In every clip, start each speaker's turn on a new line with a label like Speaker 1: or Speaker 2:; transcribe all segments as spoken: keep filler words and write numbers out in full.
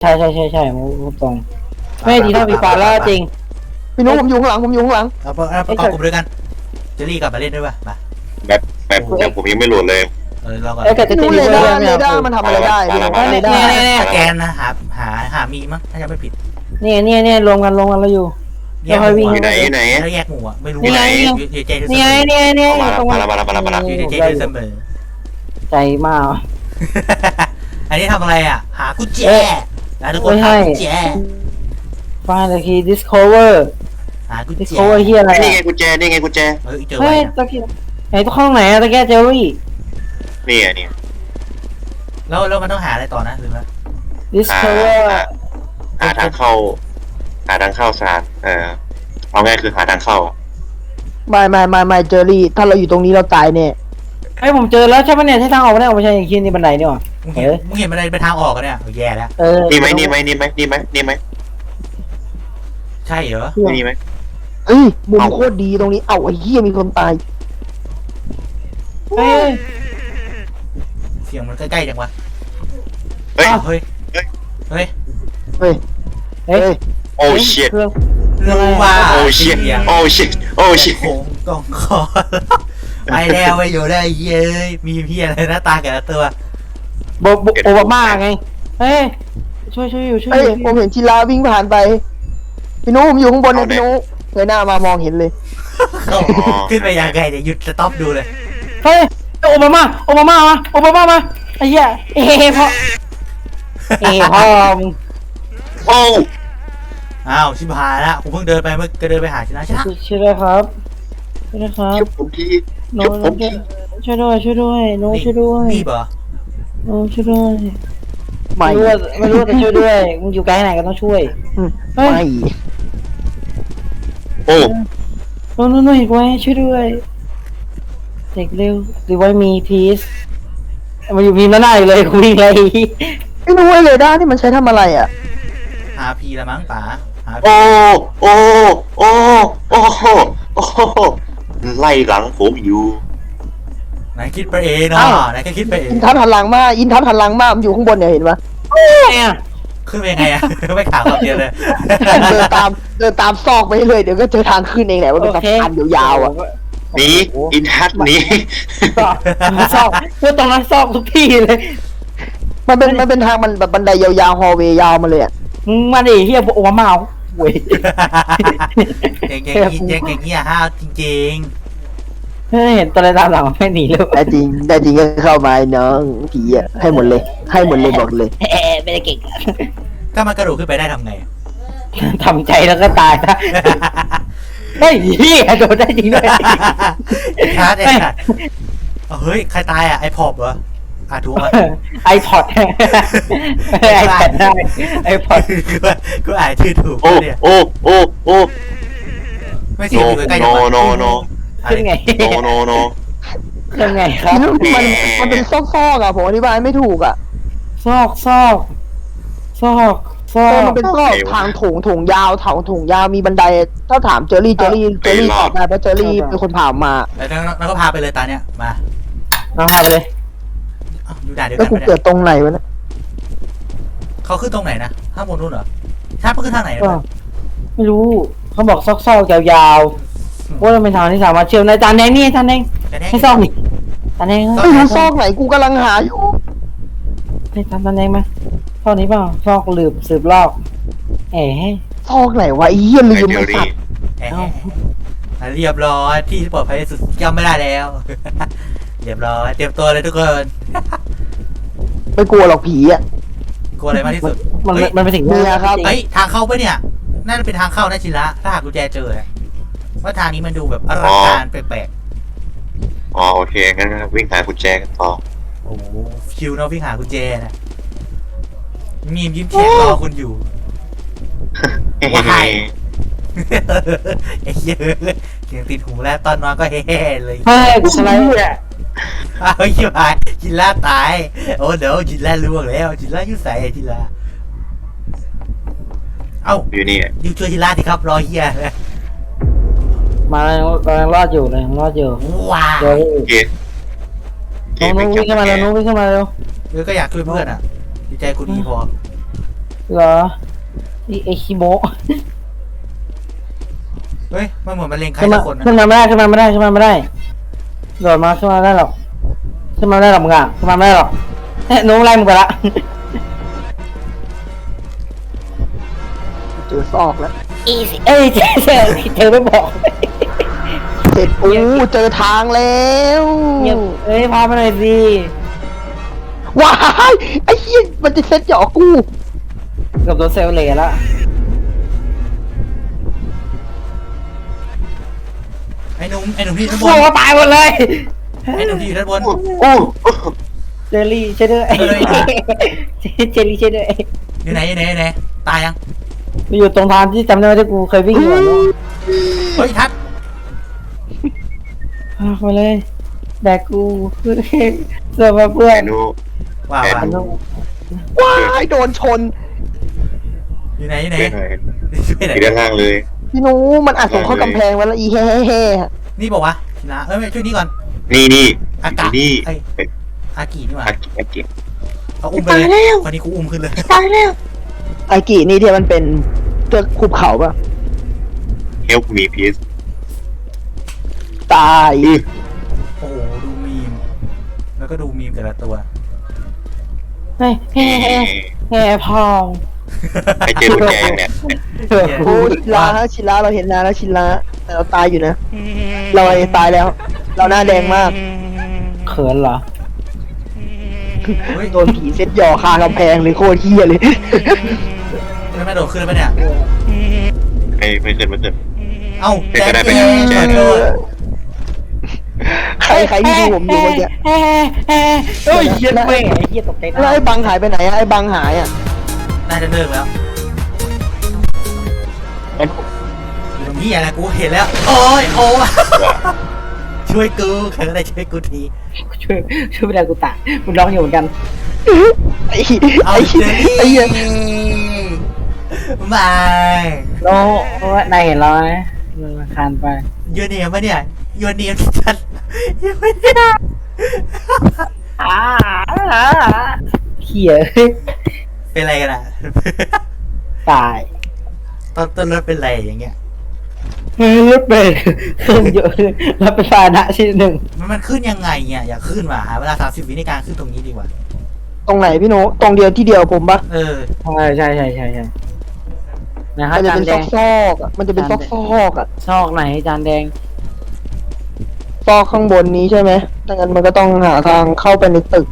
Speaker 1: ใช่ใช่ใช่ใช่มุมตรงไม่ดีเท่าปีฟ้าแล้วจริง
Speaker 2: พี่นุ๊กผมอยู่ข้างหลังผมอยู่ข้างหลัง
Speaker 3: เอาเอาเอากลุ่มด้วยกันเจอรี่กลับมาเล่นด้วยป่ะมา
Speaker 4: แบบแบบแบบผมยังไม่โหลดเลย
Speaker 3: เออเราก่อน
Speaker 1: เอ้ยแต่จะ
Speaker 2: พี่นุ๊ก
Speaker 1: ดี
Speaker 2: เร
Speaker 1: กว่า
Speaker 2: ดาร์
Speaker 1: ไม่
Speaker 2: เร
Speaker 1: เอา
Speaker 2: ดาร์มันทำอะไรได้พี่นุ๊กเรดาร์
Speaker 3: สแกนนะหาหาหามีมั้งถ้าจะไม่ผิด
Speaker 1: เนี่ยเนี่ยเนี่ยรวมกันรวมกันเราอยู่
Speaker 3: แยกห
Speaker 1: วิ่
Speaker 3: มู่
Speaker 1: ง
Speaker 4: อยู่ไหนอยู่ไหน
Speaker 3: แล้วแยกหมู่อ่ะไม่รู้
Speaker 1: นี่ไง
Speaker 3: อยู่เจเจ
Speaker 1: เนี่ยเนี่ยเนี่ย
Speaker 4: มา
Speaker 1: ตรง
Speaker 4: มามามามามา
Speaker 3: อยู่เจเสมอ
Speaker 1: ใจมาก
Speaker 3: อันนี้ทำอะไรอ่ะหากุญแจนะทุกคนหากุญแจ
Speaker 1: ฟังเลยคี discover
Speaker 3: หากุญแจ
Speaker 1: discover เฮียอะไร
Speaker 4: นี่ไงกุญแจนี่ไงกุญแจ
Speaker 3: เฮ้ยเจอ
Speaker 1: เฮ้
Speaker 3: ไว้
Speaker 1: ยตะกี้ไหนตัวข้างไหนอะตะแกเจอรี่
Speaker 4: นี่ไงนี่
Speaker 3: แล้วแล้วมันต้องหาอะไรต่อนะหรือว่า
Speaker 1: discover
Speaker 4: หาทางเข้า หาทางเข้าสารเออเอาง่ายคือหาทางเข้า
Speaker 2: ไม่ไม่ไม่ไม่เจอรี่ถ้าเราอยู่ตรงนี้เราตายแน่
Speaker 1: ไอ้ผมเจอแล้วใช่ปะเนี่ยใช่ทางออกไม่ได้ออกไม่ใช่อย่างคิดนี่บันไดนี่หว่า
Speaker 3: มึงเห็นมึงเห็นมันอะไรเป็นทางออกกันเนี่ยแย่แล้ว
Speaker 1: เออ
Speaker 4: นี่ไหมนี่ไหมนี่ไหมนี่ไหมนี่ไหม
Speaker 3: ใช่เหรอ
Speaker 4: นี่ไหม
Speaker 2: เอ้ยมุมโคตรดีตรงนี้เอ้าไอ้เหี้ยมีคนตาย
Speaker 1: เฮ้ย
Speaker 3: เสียงมันใกล้ๆจังวะ
Speaker 4: เฮ้ย
Speaker 3: เฮ้ยเฮ้ย
Speaker 2: เฮ้ย
Speaker 1: เฮ้
Speaker 2: เฮ้
Speaker 1: ย
Speaker 2: ย
Speaker 4: โอ้ชิต
Speaker 1: เครื่อง
Speaker 3: รู้ว่า
Speaker 4: โอ้ชิตโอ้ชิตโอ้ชิต
Speaker 3: โค้งกองคอไปแล้วไปอยู่ได้เย้ยมีพี่อะไรหน้าตาแก่ละตัว
Speaker 1: โบโอบามาไงเฮ้ยช่วยช่วยอยู่ช่วย
Speaker 2: เฮ้ย
Speaker 1: อยู่
Speaker 2: ผมเห็นชิลาวิ่งผ่านไปพี่นุ๊กผมอยู่ข้างบนนะพี่นุ๊กเงยหน้ามามองเห็นเลย
Speaker 3: ขึ้นไปยังไงเดี๋ยวหยุดสต็อปดูเลย
Speaker 1: เฮ้ยโอบามาโอบามามาโอบามามาไอ้เหี้ยเอ้พ่อเอ้พ่อมึง
Speaker 4: โอ้
Speaker 3: อ้าวชิบหายละผมเพิ่งเดินไปเมื่อก็เดินไปหาชนะชนะ
Speaker 1: ช่วยด้วยครับช่วยด้วยครับ
Speaker 4: ชุบผมที
Speaker 1: โน้
Speaker 4: ชุบผมที
Speaker 1: ช่วยด้วยช่วยด้วยโน้ช่วยด้วย
Speaker 3: นี่เหรอ
Speaker 1: โน้ช่วยด้วย
Speaker 2: ไม่
Speaker 1: ไม่รู้ว่าไม่รู้ว่าจะช่วยด้วยมึงอยู่ไกลไหนก็ต้องช่วย เฮ้ย
Speaker 2: ไม่
Speaker 4: โอ้
Speaker 1: โน้โน้โน้อีกไว้ช่วยด้วยเด็กเร็วดีไว้มีพีซมาอยู่พีมแล้วหน้าอยู่เลยคุยอะไร
Speaker 2: พี่นุ๊กไอ้เรดาร์นี่มันใช้ทำอะไรอ่ะ
Speaker 3: หาพีละมั้งป๋าหา
Speaker 4: โอ้โอ้โอ้โอ้โอ้ไล่หลังผมอยู่
Speaker 3: ไหนคิดไปเองเนาะไหนก็คิดไปเอง
Speaker 2: อินทัศน์หันหลังมาอินทัศน์หันหลังมามันอยู่ข้างบนเนี่ยเห็นปะ
Speaker 1: เนี่ย
Speaker 3: ขึ้นไปยังไงอะไม่ข่าวคำเดียวเลย
Speaker 2: เดินตามเดินตามซอกไปเลยเดี๋ยวก็เจอทางขึ้นเองแหละว่าเป็นสะพานยาวๆอ่ะ
Speaker 4: หนีอินทัศน์หนี
Speaker 1: ซอกซอกพูดตรงนั้นซอกทุกที่เลย
Speaker 2: มันเป็นมันเป็นทางมันแบบบันไดยาวๆฮอลเวย์ยาวมาเลยอ่ะ
Speaker 1: มึงมาดิเฮียโอบามาเว้ย
Speaker 3: เก่งๆเก่งๆเก่งๆเงี้ยห้าวจริง
Speaker 1: เฮ้ยเห็นตัวอะไรตามหลังไม่หนีเลย
Speaker 2: แต่จริงแต่จริงก็เข้ามาไอ้น้องผีอ่ะให้หมดเลย ให้หมดเลยบอกเลย
Speaker 1: เอ๊ะไม่ได้เก่ง
Speaker 3: ๆถ้ามันกระโดดขึ้นไปได้ทำไง
Speaker 1: ทำใจแล้วก็ตายนะเฮ้ยเฮียโดนได้จริงด้วย
Speaker 3: ชาร์จเองอะเฮ้ยใครตายอ่ะไอพอบเหรออ่ะถูกไหม
Speaker 1: ไอพอดไอแพดได้ไอพอด
Speaker 3: กูอ่านชื่อถูก
Speaker 4: โอ้
Speaker 3: เนี่ย
Speaker 4: โอ้โอ้โอ้
Speaker 3: ไม่ใช่
Speaker 4: โน
Speaker 3: อยู่ใกล้ๆ
Speaker 4: โนโนโน
Speaker 1: ขึ้นไง
Speaker 4: โนโนโน
Speaker 1: ขึ้นไงครับ
Speaker 2: มันมันเป็นซอกๆอ่ะผมอธิบายไม่ถูกอ่ะ
Speaker 1: ซอกซอกซอกซอ
Speaker 2: เออก มันเป็นซอกทางโถงโถงยาวถางโถงยาวมีบันไดถ้าถามเจอรี่เจอรี่เจอรี่ตอบได้เพราะเจอรี่เป็นคนผ่ามา
Speaker 3: แล้วแล้วก็พาไปเลยตาเนี่ยมา
Speaker 1: เอาพาไปเลย
Speaker 3: อยู่ด่านเดียว
Speaker 2: แล้ว
Speaker 3: กัน
Speaker 2: กู
Speaker 3: ปะ
Speaker 2: เกิ
Speaker 3: เนี่ย
Speaker 2: ดตรงไหนวะเนี่ย
Speaker 3: เขาขึ้นตรงไหนนะข้างบนนู้นเหรอชาร์จมันขึ้นทางไหน
Speaker 1: ก็ไม่รู้เขาบอกซอกซอกยาวๆว่ามันเป็นทางที่สามารถเชื่อมในจานแดงนี่จานแดงให้ซอกนี่จานแดง
Speaker 2: ไม่รู้ซอกไหนกูกำลังหาอยู่
Speaker 1: ให้จานจานแดงมาซอกนี้เปล่าซอกหลืบสืบลอกเอ๋
Speaker 2: ซอกไหนวะไอ้เหี้ยลื
Speaker 4: ไอ
Speaker 2: ม
Speaker 4: เดีย
Speaker 2: ไอ้
Speaker 4: ว
Speaker 2: สั
Speaker 4: ดี
Speaker 2: ตว์
Speaker 3: เรียบร้อยที่ปลอดภัยที่สุดย่ำไม่ได้แล้ว เรียบร้อยเตรียมตัวเลยทุกคน
Speaker 2: ไม่กลัวหรอกผีอ่ะ
Speaker 3: กลัวอะไรมากที่สุด
Speaker 1: มันมันเป็นสิ่ง
Speaker 2: เนี่ยครับ
Speaker 3: เฮ้ยทางเข้าปะเนี่ยน่าจะเป็นทางเข้านะชิระถ้าหากกุญแจเจอเนี่ยว่าทางนี้มันดูแบบอลังการแปลก
Speaker 4: อ๋อโอเคงั้นวิ่งหากุญแจกันต่อ
Speaker 3: ๆโอ้โหชิวเนาะวิ่งหากุญแจนะมีมยิ้มแฉกรอคุณอยู่ ว้าย ไอ้เหี้ยเสียงติดหูแล้วตอนนอนก็เฮ่ๆเลย
Speaker 1: เฮ้ยกูสไลด์เนี่ย
Speaker 3: อ้าวชิบหายจินล่าตายโอ้เดี๋ยวจินล่าล่วงแล้วจินล่ายุ่ใส่จินล่าเอ้า
Speaker 4: อยู่นี่
Speaker 3: อยู่ช่วยจินล่าสิครับรอเฮีย
Speaker 1: มาแล้วกำลังรอดอยู่เลยรอดอยู่
Speaker 3: ว้า
Speaker 1: เดี๋ยว
Speaker 4: โอเคโอเค
Speaker 1: น้อง
Speaker 4: ไม่
Speaker 1: วิ่ง
Speaker 4: จับ
Speaker 1: เข้ามาแล้วน้องวิ่งเข้ามาเร็ว
Speaker 3: เออก็อยากช่วยเพื่อนอ่ะดีใจกูดีพอ
Speaker 1: เหรอไอ้ไอ้คิโมะ
Speaker 3: เฮ้ยมันเหมือนมันเลงใคร
Speaker 1: ขึ้น
Speaker 3: สั
Speaker 1: มาก
Speaker 3: คนนะ
Speaker 1: ขึ้นมาไม่ได้ขึ้นมาไม่ได้ขึ้นมาไม่ได้โดดมาขึ้นมาไม่ได้หรอกขึ้นมาไม่ได้หรอกมึงอ่ะขึ้นมาไม่ได้หรอกเฮ้ยน้องไล่มึงไปละ
Speaker 2: เจอซอกแล้ว
Speaker 1: อีสิเอ้ยเจอเจอเธอไม่บอก
Speaker 2: เสร็จอู้เจอทางแล้ว
Speaker 1: เงียบเอ้ยพามาหน่อยสิ
Speaker 2: ว้ายไอ้เหี้ยมันจะเซ็ตหยอกกู
Speaker 1: กับตัวเซลล์เหล่ละ
Speaker 3: ไอ้หนุ่มไอ้หนุ่มที่อยู่ด้านบ
Speaker 1: โอ้
Speaker 3: น
Speaker 1: โหตายหมดเลย
Speaker 3: ไอ้หนุ่มที่อยู่ด้านบน
Speaker 4: โอ้โอ้
Speaker 1: เจอรี่ช่วยด้วย
Speaker 3: เฮ้ย
Speaker 1: เจอรี่ช่วยด้วย
Speaker 3: อยู่ไหนอยู่ไหนอยู่ไหนตายยัง
Speaker 1: มันอยู่ตรงทางที่จำได้ว่าที่กูเคยวิ่งอยู่อะ
Speaker 3: เฮ้ยทัด
Speaker 1: อ่ะมาเลยแบกกูเสื้อมาเพื่อน
Speaker 4: ไอ้หนู
Speaker 3: ว้าว
Speaker 4: แอ
Speaker 3: ว้าว
Speaker 4: น
Speaker 2: ว้ายโดนชน
Speaker 3: อยู่ไหนอยู่ไหน
Speaker 4: ช่วยหน่อย
Speaker 3: ช่วยหน่อย
Speaker 4: อยู่ด้านล่างเลย
Speaker 2: พี่หนูมันอัดส่งเข้ากำแพงไว้แล้วอีแฮ่แฮ่
Speaker 3: นี่บอกว่านะเอ้ยไม่ช่วยนี่ก่อน
Speaker 4: นี่นี่
Speaker 3: อากาศ
Speaker 4: นี่
Speaker 3: ไอ้อากินี่หว่า
Speaker 4: อากิอากิ
Speaker 3: เอาอุ้มไปเลยคนนี้กูอุ้มขึ้นเลย
Speaker 2: ตายแล้วไอกีนี่ที่มันเป็นเตือกขุบเขาปะ
Speaker 4: help me please
Speaker 2: ตาย
Speaker 3: โอ้โหดูมีมแล้วก็ดูมีมแต่ละตัว
Speaker 1: เฮ้ยแฮ่แฮ่แฮ่พอง
Speaker 4: ไปเจอกุญแจยังเนี่ย
Speaker 2: โอ้ชิลาฮะชิลาเราเห็นนานแล้วชิลาแต่เราตายอยู่นะ เราตายแล้ว เราหน้าแดงมาก
Speaker 1: เขินเหรอ
Speaker 3: เฮ้ย
Speaker 2: โดนผีเซ็ตหย่อคากำแพงเลยโคตรเฮี้ยเลย
Speaker 3: ไม่ไม่โดดขึ้นปะเนี่ย
Speaker 4: ไม่ไม่เกินไม่เกิน
Speaker 3: เอ้า
Speaker 4: เป็นไปได้
Speaker 3: แจ๊
Speaker 4: เป็น
Speaker 3: ค
Speaker 4: แจ๊ค
Speaker 3: โดด
Speaker 2: ใครใครที่ดูผมอยู่เมื่อกี้
Speaker 1: แฮ่แฮ่เฮ้ยเหี้ยแม่งไอ้เหี้ยตกใจ
Speaker 2: แล้วไอ้บังหายไปไหนอะไอ้บังหายอ่ะ
Speaker 3: น่าจะเลิกแล้วอยู่ตรงนี้อะไรกูเห็นแล้ว โอ้ยโอ้ยช่วยกูใครก็ได้ช่วยกูที
Speaker 1: ช่วยช่วยไม่ได้กูตายกูร้องอยู่เหมือนกัน
Speaker 2: ไอ้
Speaker 3: เอา
Speaker 2: ไอ้
Speaker 3: เจอรี่
Speaker 2: ไอ้เหี้ย
Speaker 3: บาย
Speaker 1: โน้นายเห็นเราไหมมันคานไป
Speaker 3: ยูเนียมปะเนี่ยยูเนียมชัดยังไม่ได้
Speaker 1: อ้าเขี่ย
Speaker 3: เป็นอะไรกันอ่ะ
Speaker 1: ตาย
Speaker 3: ตอนต้นรถเป็นไรอย่างเงี้ย
Speaker 1: รถเบรกเครื่องเยอะเลยแล้วเป็นพาหนะชิ้นหนึ่ง
Speaker 3: มันมันขึ้นยังไงเนี่ยอยากขึ้นมาหาเวลาสามสิบวิในการขึ้นตรงนี้ดีกว่า
Speaker 2: ตรงไหนพี่โนตรงเดียวที่เดียวผมปะ
Speaker 3: เออ
Speaker 1: ใช่ใช่ใช่ใช่ใช่นะครับ
Speaker 2: มันจะ
Speaker 1: จาน
Speaker 2: เป็น
Speaker 1: แด
Speaker 2: ซอง กซอกๆอะมันจะเป็นซอกซอกๆอ่ะ
Speaker 1: ซอกไหนจานแดง
Speaker 2: ซอกข้างบนนี้ใช่ไหมดังนั้นมันก็ต้องหาทางเข้าไปในตึก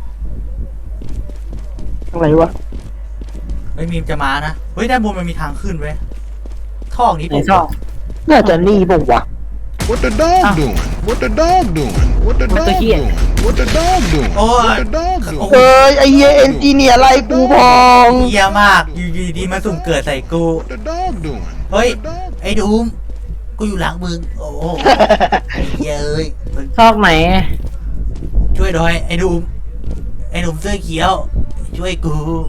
Speaker 2: ตรงไหนวะ
Speaker 3: เฮ้ยมีมจะมานะ เฮ้ยด้านบนมันมีทางขึ้นเว้ยท่อนี้
Speaker 1: ไหน
Speaker 3: ผม
Speaker 1: ซอก
Speaker 2: น่าจะนี่ป่าวะ
Speaker 5: What the dog doing? What the dog doing? What the
Speaker 1: What the
Speaker 5: dog
Speaker 1: here?
Speaker 5: doing? What the dog doing?
Speaker 3: โอ้ย
Speaker 5: What the dog
Speaker 3: โอ้
Speaker 5: doing?
Speaker 3: โห
Speaker 2: เอ้ยไอเหี้ยเอนจิเนียร์ไล่กูพอง
Speaker 3: เยี่ยมาก อยู่ดีๆมาสุ่มเกิดใส่กู
Speaker 5: What the dog doing?
Speaker 3: เฮ้ย
Speaker 5: What the dog
Speaker 3: ไอ้ดูมกูอยู่หลังมึง โอ้โหไอ้เหี้ยเอ้ย
Speaker 1: ซอกไหน
Speaker 3: ช่วยหน่อยไอ้ดูมไอ้หนุ่มเสื้อเขียว ช่วยกู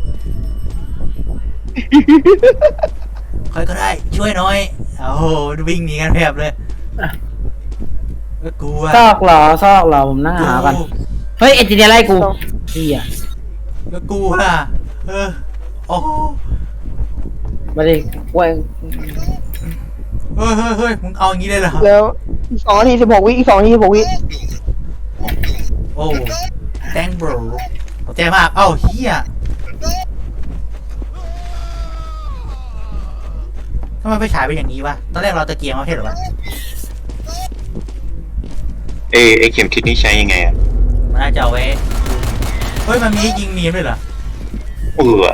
Speaker 3: ใครก็ได้ ช่วยหน่อย โอ้โหวิ่งหนีกันแผบเลยเอ้ยกูอะ
Speaker 1: ซอกเหรอซอกเหรอผมนั่งหากันเฮ้ยเอจิเนียไล่กูเฮีย
Speaker 3: แล้วกูอะเออโอ้โห
Speaker 1: มาดิเว้ย
Speaker 3: เฮ้ยเฮ้ยเฮ้ยมึงเอาอย่างนี้เลยเหรอ
Speaker 2: แล้วอีกสองนาทีสิบหกวิอีกสองนาทีสิบหกวิ
Speaker 3: โอ้แตงบรขอบใจมาก เอ้าเฮียทำไมไปฉายเป็นอย่างนี้วะ ตอนแรกเราตะเกียงมาเทศหรอวะ
Speaker 4: เอไอเข็มทิศนี่ใช้ยังไงอ่ะ
Speaker 3: มันน่าจะเอาไว้ เฮ้ย มันมีให้ยิงมีมด้วยเหรอ
Speaker 4: เออ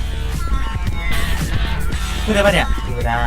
Speaker 3: ขึ้นได้ปะเนี่ยไม่ได้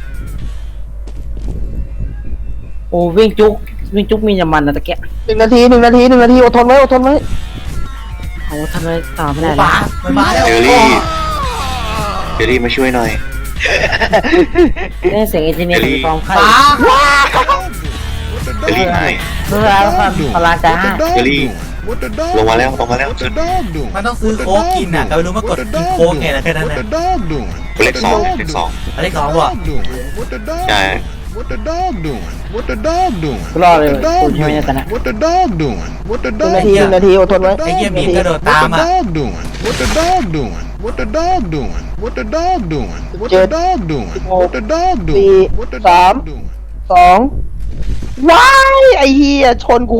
Speaker 1: โอ้วิ่งจุกวิ่งจุกมีน้ำมันนะตะเกีย
Speaker 2: หนึ่งนาทีหนึ่งนาทีหนึ่งนาทีอดทนไว้อดทนไว้
Speaker 1: โอ้ทำไมต่อไม่
Speaker 3: โอ้
Speaker 1: ได้
Speaker 3: ป๋า
Speaker 1: นะ
Speaker 3: มันมาแล้ว
Speaker 4: เจอรี่เจอรี่มาช่วยหน่อย
Speaker 1: ได้เสียงเอจิเนียถึงฟองไข่
Speaker 3: ป๋า
Speaker 5: What the
Speaker 4: เจอรี่
Speaker 5: dog
Speaker 4: หาย
Speaker 1: เพื่อแล้วความพลาจ้า
Speaker 5: What the dog
Speaker 4: Jelly.
Speaker 5: doing? What the dog
Speaker 4: ลงมาแล้วลงมาแล้ว
Speaker 5: What the dog doing?
Speaker 3: มันต้องซื้อ
Speaker 5: What the
Speaker 3: โค้ก
Speaker 5: dog
Speaker 3: กินอ่ะ
Speaker 5: doing?
Speaker 3: แต่ไม่รู้มากด
Speaker 5: What the
Speaker 3: กิน
Speaker 5: dog
Speaker 3: โค้ก
Speaker 5: doing?
Speaker 3: ไงล่ะแค่นั้น
Speaker 5: What
Speaker 3: นะ
Speaker 5: the dog doing?
Speaker 4: เลขสองเลขสอง
Speaker 3: อันที่สอง
Speaker 5: What
Speaker 3: ว่ะ
Speaker 5: the dog doing? What the dog
Speaker 4: ใช่
Speaker 5: doing? What the dog doing? What the dog doing?
Speaker 1: กูรอดเลย
Speaker 5: What the
Speaker 1: กู
Speaker 5: dog
Speaker 1: ใช่ไหม
Speaker 5: doing?
Speaker 1: เนี่ยตอนนั้น
Speaker 5: What the dog doing? What the
Speaker 2: หนึ่ง
Speaker 5: dog
Speaker 2: นาทีหนึ่งนาทีอดทนไว้
Speaker 3: ไอ้เหี้ยหมี
Speaker 2: หนึ่ง
Speaker 3: กระ
Speaker 2: นาที
Speaker 3: โดดตาม
Speaker 5: What the
Speaker 3: อ่ะ
Speaker 5: dog doing? What the dog doing? What the dog doing? What the dog doing? What the dog doing? What the dog
Speaker 2: สี่
Speaker 5: doing? What the
Speaker 2: สาม
Speaker 5: dog doing?
Speaker 2: สองว้ายไอ้เฮียชนกู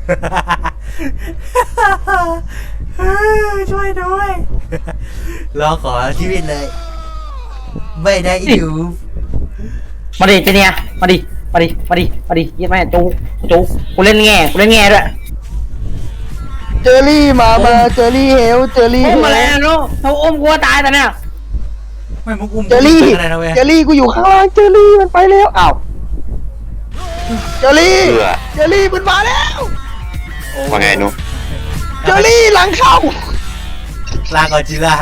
Speaker 3: ช่วยด้วยรอขอชีวิตเลย ไม่ได้อยู่
Speaker 1: มาดิเจเนียมาดิมาดิมาดิมาดิยี่แม่จูจูกูเล่นแง่กูเล่นแง่ด้วย
Speaker 2: เจอรี่มามาเจอรี่เฮลเจอรี่
Speaker 1: อุ้ม
Speaker 2: เฮ
Speaker 1: มา
Speaker 2: ล
Speaker 1: แล้วเนาะเขาอุ้มกูตายแต่เนี่ย
Speaker 3: ไม่มุกอุ้ม
Speaker 2: เจอรี่
Speaker 3: อะไรนะเว้ย
Speaker 2: เจอรี่กูอยู่ข้างล่างเจอรี่มันไปแล้วอ้าวเจอรี่
Speaker 4: เบื่อ
Speaker 2: เจอรี่มันมาแล้ว
Speaker 4: ว่าไงนุ๊ก
Speaker 2: เจอรี่หลังเข้า
Speaker 3: ลาก่อนจิลา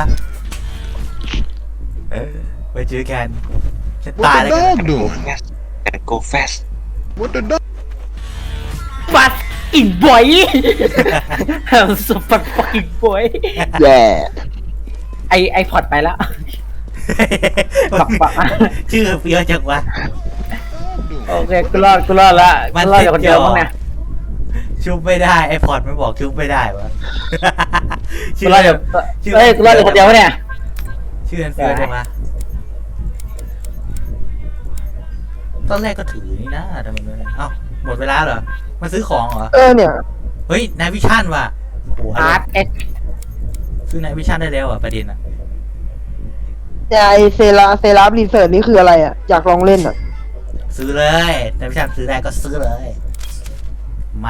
Speaker 3: เออไปเจอกันจะตาย
Speaker 5: What
Speaker 3: แล้ว
Speaker 5: the
Speaker 3: กัน
Speaker 5: dog doing?
Speaker 4: and go fast
Speaker 5: What the dog?
Speaker 1: ฟัดอินบอยสุดฟัดฟักอินบอย
Speaker 2: แย่
Speaker 1: ไอไอพอดไปแล้ว ปักปัก
Speaker 3: ชื่อเฟี้ยวจังวะ
Speaker 5: Dog
Speaker 1: โอ
Speaker 5: doing?
Speaker 1: เคกูรอดกูรอดละกูรอดอยู่คนเดียวมั้งเนี่ย
Speaker 3: ชุบไม่ได้ไอพอดไม่บอกชุบไม่ได้วะ
Speaker 1: กูรอดอยู่เฮ้ยกูรอดอยู่คนเดียวเนี่ย
Speaker 3: ชื่อเฟี้ยวจังวะตอนแรกก็ถือนี่นะทำไมไม่เอ้าหมดเวลาเหรอมาซื้อของเหรอ
Speaker 2: เออเนี่ย
Speaker 3: เฮ้ยนายวิชั่นว่ะโอ้โห
Speaker 1: อาร์ตเอ็ก
Speaker 3: ซื้อนายวิชั่นได้แล้วอ่ะประเด็นอ่ะ
Speaker 2: เนี่ยไอเซราเซราบรีเสิร์ชนี่คืออะไรอ่ะอยากลองเล่นอ่ะ
Speaker 3: ซื้อเลยนายวิชั่นซื้อได้ก็ซื้อเลย มา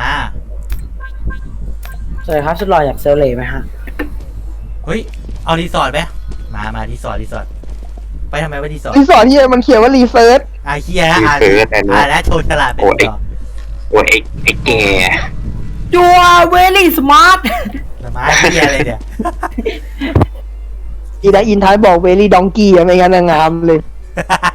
Speaker 1: สวัสดีครับชุดหล่ออยากเซลเล่ไหมฮะ
Speaker 3: เฮ้ยเอารีสอร์ทไหมมามารีสอร์ทรีสอร์ทไปทำไมวะรีสอร์ท
Speaker 2: รีสอร์ทที่มันเขียนว่ารีเซิร์ช
Speaker 3: อาเฮียอ่านอ่านแล้วโชว์ฉลาดไปต่อ
Speaker 4: โอ้ยไอ้ไอ้แก
Speaker 1: จัวเวลี่สมาร์ท
Speaker 3: ละไม้เฮียอะไรเนี่ย
Speaker 2: อีดาอินท้ายบอกเวลี่ดองกี้อะไม่งั้นนะงามเลย